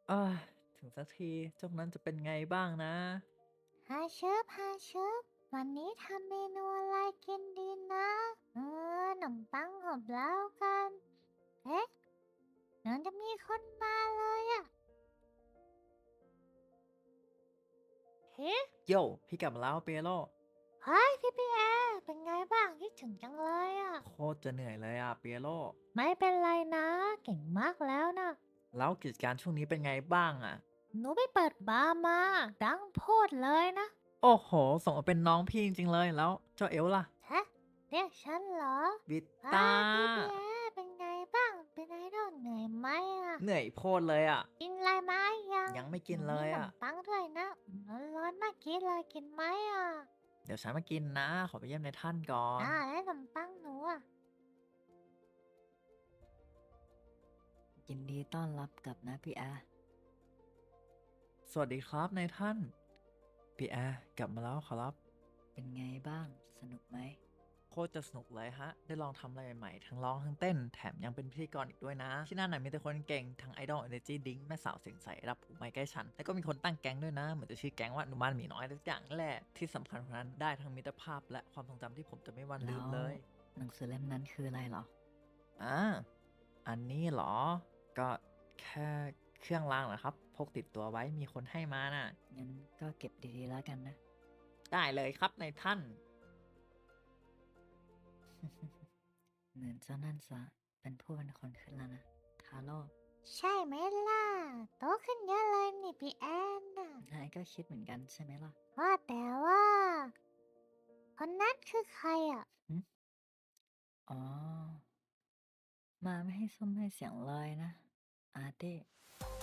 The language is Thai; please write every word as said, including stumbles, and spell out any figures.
เอ้ยถึงสักทีเจ้านั้นจะเป็นไงบ้างนะฮาเชิบฮาเชิบวันนี้ทำเมนูอะไรกินดีนะเออขนมปังอบแล้วกัน เอ๊ะเหมือนจะมีคนมาเลยอะเฮ้โย่พี่กลับมาแล้วเปียโรเฮ้ยพี่พี่แอร์เป็นไงบ้างคิดถึงจังเลยอะโคตรจะเหนื่อยเลยอ่ะเปียโรไม่เป็นไรนะเก่งมากแล้วนะแล้วกิจการช่วงนี้เป็นไงบ้างอ่ะหนูไปเปิดบาร์มาดังโพดเลยนะโอ้โหสมกับเป็นน้องพี่จริงๆเลยแล้วเจ้าเอลล่ะฮะเรียกฉันเหรอวิตว้าตาพี่พี่แอร์เป็นไงบ้างเป็นไงดอนเหนื่อยไหมอะเหนื่อยโพดเลยอ่ะกินอะไรมายังยังไม่กินหนูมีเลยอ่ะขนมปังด้วยนะร้อนๆเมื่อกี้เลยกินไหมอ่ะเดี๋ยวฉันมากินนะขอไปเยี่ยมในท่านก่อนอ่าแล้วขนมปังหนูอ่ะยินดีต้อนรับกลับนะพี่แอร์สวัสดีครับนายท่านพี่แอร์กลับมาแล้วขอรับเป็นไงบ้าง สนุกไหมโคตรจะสนุกเลยฮะ ได้ลองทำอะไรใหม่ๆ ทั้งร้องทั้งเต้น แถมยังเป็นพิธีกรอีกด้วยนะ ที่นั่นน่ะมีแต่คนเก่ง ทั้งไอดอลเอเนจีดิงแม่สาวเสียงใสรับผูไม่ใกล้ฉัน แล้วก็มีคนตั้งแก๊งด้วยนะ เหมือนจะชื่อแก๊งว่าหนุ่มบ้านหมีน้อยทุกอย่างนั่นแหละ ที่สำคัญกว่านั้นได้ทั้งมิตรภาพและความทรงจำที่ผมจะไม่วันลืแล้วมเลยหนังสือเล่มนั้นคืออะไรเหรออ่า อันนี้เหรอ ก็แค่เครื่องรางเหรอครับ พกติดตัวไว้มีคนให้มาน่ะงั้นก็เก็บดีๆแล้วกันนะได้เลยครับในท่านเหมือนเจ้านั่นจะเป็นผู้เป็นคนขึ้นแล้วนะ ทาโร่ใช่ไหมล่ะโตขึ้นเยอะเลยนี่พี่แอนน่ะนายก็คิดเหมือนกันใช่ไหมล่ะว่าแต่ว่าคนนั้นคือใครอ่ะหึอ๋อ มาไม่ให้ส้มให้เสียงเลยนะ อาร์เต้